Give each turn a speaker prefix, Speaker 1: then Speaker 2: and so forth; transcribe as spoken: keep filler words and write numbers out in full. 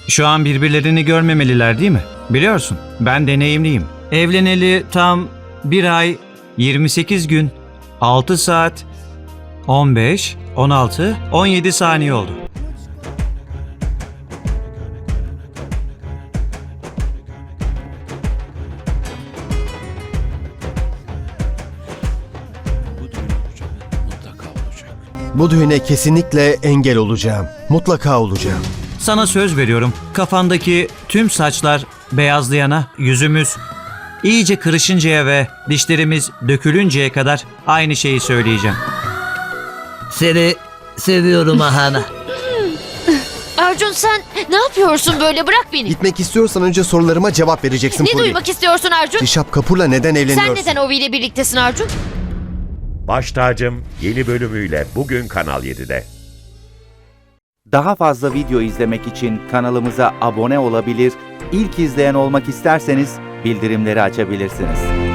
Speaker 1: Şu an birbirlerini görmemeliler değil mi? Biliyorsun, ben deneyimliyim. Evleneli tam bir ay, yirmi sekiz gün, altı saat, on beş, on altı, on yedi saniye oldu.
Speaker 2: Bu düğüne kesinlikle engel olacağım. Mutlaka olacağım.
Speaker 1: Sana söz veriyorum, kafandaki tüm saçlar beyazlayana, yüzümüz iyice kırışıncaya ve dişlerimiz dökülünceye kadar aynı şeyi söyleyeceğim.
Speaker 3: Seni seviyorum Ahana.
Speaker 4: Arjun sen ne yapıyorsun böyle? Bırak beni.
Speaker 2: Gitmek istiyorsan önce sorularıma cevap vereceksin
Speaker 4: Ne
Speaker 2: Puri.
Speaker 4: duymak istiyorsun Arjun?
Speaker 2: Rişap Kapur'la neden evleniyorsun?
Speaker 4: Sen neden Ovi ile birliktesin Arjun?
Speaker 5: Baş Tacım yeni bölümüyle bugün Kanal yedide.
Speaker 6: Daha fazla video izlemek için kanalımıza abone olabilir, ilk izleyen olmak isterseniz bildirimleri açabilirsiniz.